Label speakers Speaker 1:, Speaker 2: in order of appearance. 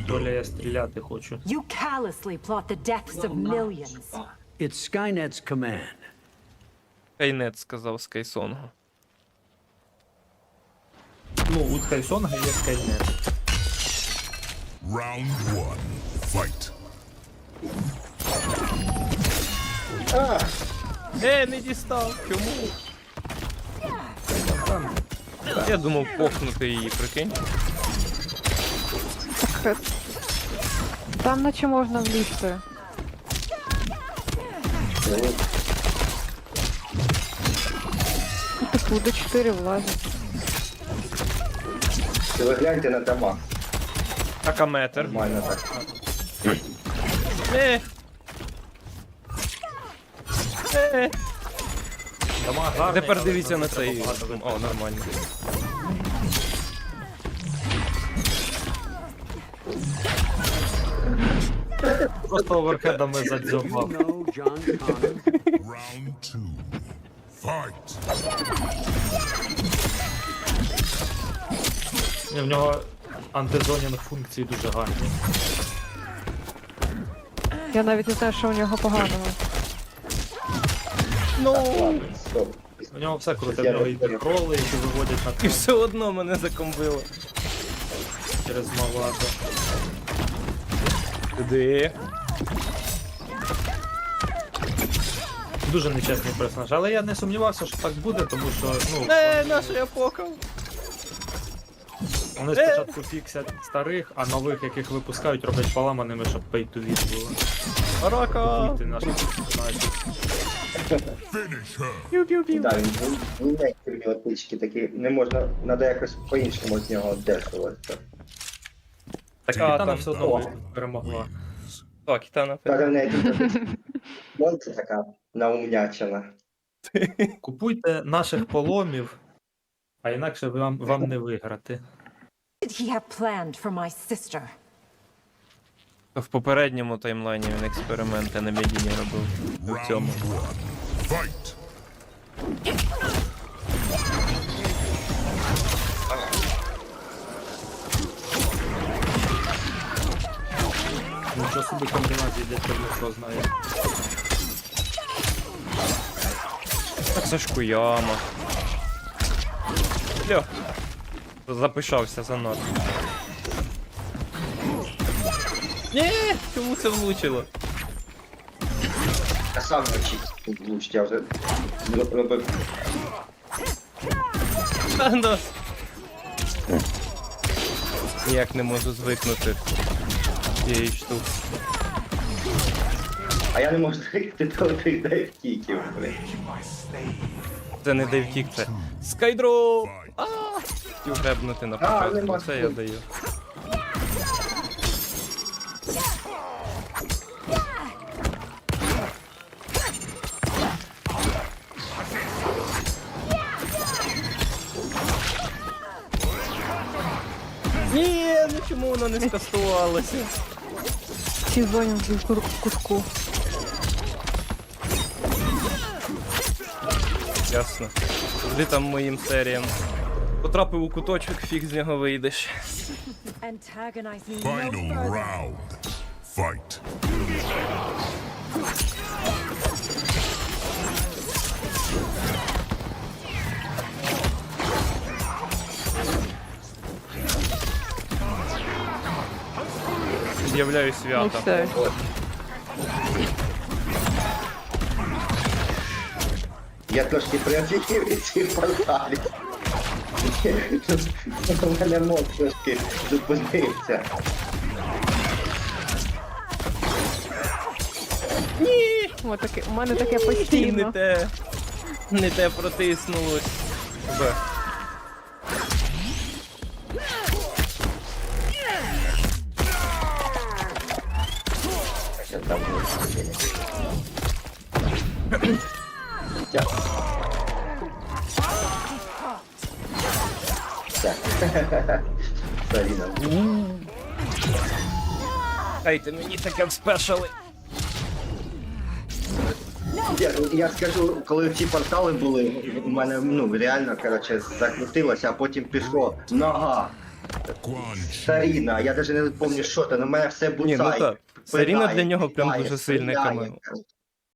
Speaker 1: Доля, я стріляти хочу.
Speaker 2: You callously plot the deaths of millions.
Speaker 3: It's Skynet's command.
Speaker 4: Скайнет сказав Скайсонгу.
Speaker 1: Ну, у Скайсонга є Скайнет.
Speaker 5: Round one. Fight.
Speaker 4: Не дістав! Чому? Я думав похнути її, прикинь.
Speaker 6: Там наче можна влізти. Типу, до 4 влазить.
Speaker 7: Ви гляньте на дома.
Speaker 4: Акаметр.
Speaker 7: Нормально так.
Speaker 1: Дома гарні,
Speaker 4: Тепер
Speaker 1: але
Speaker 4: дивіться на
Speaker 1: треба
Speaker 4: цей.
Speaker 1: багато
Speaker 4: О, нормально.
Speaker 1: Просто оверхедами задзьобав.
Speaker 3: No, John Connor.
Speaker 5: Round two. Fight.
Speaker 1: І в нього антизонінг функції дуже гарні.
Speaker 6: Я навіть не знаю, що у нього поганого.
Speaker 7: Ладно, стоп.
Speaker 1: У нього все круте, в нього і кроли, які виводять на
Speaker 4: І
Speaker 1: кров
Speaker 4: все одно мене закомбило.
Speaker 1: через Мавато.
Speaker 4: Куди?
Speaker 1: Дуже нечесний персонаж, але я не сумнівався, що так буде, тому що, ну,
Speaker 4: Нащо я покав?
Speaker 1: вони спочатку фіксять старих, а нових, яких випускають, роблять поламаними, щоб pay to win було.
Speaker 4: Рака!
Speaker 1: Ти наших персонажів.
Speaker 5: Finish her.
Speaker 7: Да, він отички такі, не можна, треба якось по-іншому з нього дешуватися.
Speaker 4: Така
Speaker 1: Катана
Speaker 4: там.
Speaker 1: все одно перемогла.
Speaker 4: Так, Кітана.
Speaker 7: Каже, в неї тут це така наумнячена.
Speaker 1: Купуйте наших поломів, а інакше вам не виграти.
Speaker 2: Did he have planned for my sister?
Speaker 4: В попередньому таймлайні він експерименти на Медіні робив. У цьому.
Speaker 5: Round one. Fight.
Speaker 1: Нічого собі комбінації для чорного знає.
Speaker 4: Так це ж Куяма. Льо. Запишався занадто. Ні, чому це влучило?
Speaker 7: Я сам не влучить, я вже робив.
Speaker 4: Ну. Ніяк не можу звикнути з цієї штуки.
Speaker 7: А я не можу звикти до тих дайвкіків, блин.
Speaker 4: Це не дейвкік, це скайдроп! Хотів гребнути на початку,
Speaker 7: нема
Speaker 4: це я даю. Ні, ну чому воно не скастувалося?
Speaker 6: Ці зоні в кутку.
Speaker 4: Ясно. Завжди там моїм серіям. Потрапив у куточок, фіг з нього вийдеш.
Speaker 2: Antagonize me no
Speaker 5: Final
Speaker 2: further.
Speaker 5: round. Fight.
Speaker 4: З'являю
Speaker 6: Ну
Speaker 4: свята.
Speaker 6: все.
Speaker 7: Я трошки приофігів від цих порталів. У мене мозк трошки зупинився.
Speaker 6: У мене таке
Speaker 4: Не
Speaker 6: постійно.
Speaker 4: те. Не те протиснулось. Б.
Speaker 7: Що там буде? Дякую. Так. Саріна.
Speaker 4: Дайте мені таке в спешали.
Speaker 7: Я скажу, коли ці портали були, у мене реально, коротше, закрутилося, а потім пішло нога,
Speaker 5: Quan Chi.
Speaker 7: Саріна, я навіть не пам'ятаю, що це, але в мене все
Speaker 4: Ні, ну
Speaker 7: буцає.
Speaker 4: так. Саріна
Speaker 7: пинає,
Speaker 4: для нього прям
Speaker 7: кидає,
Speaker 4: дуже сильне
Speaker 7: стріляє,
Speaker 4: камео.
Speaker 7: коротше.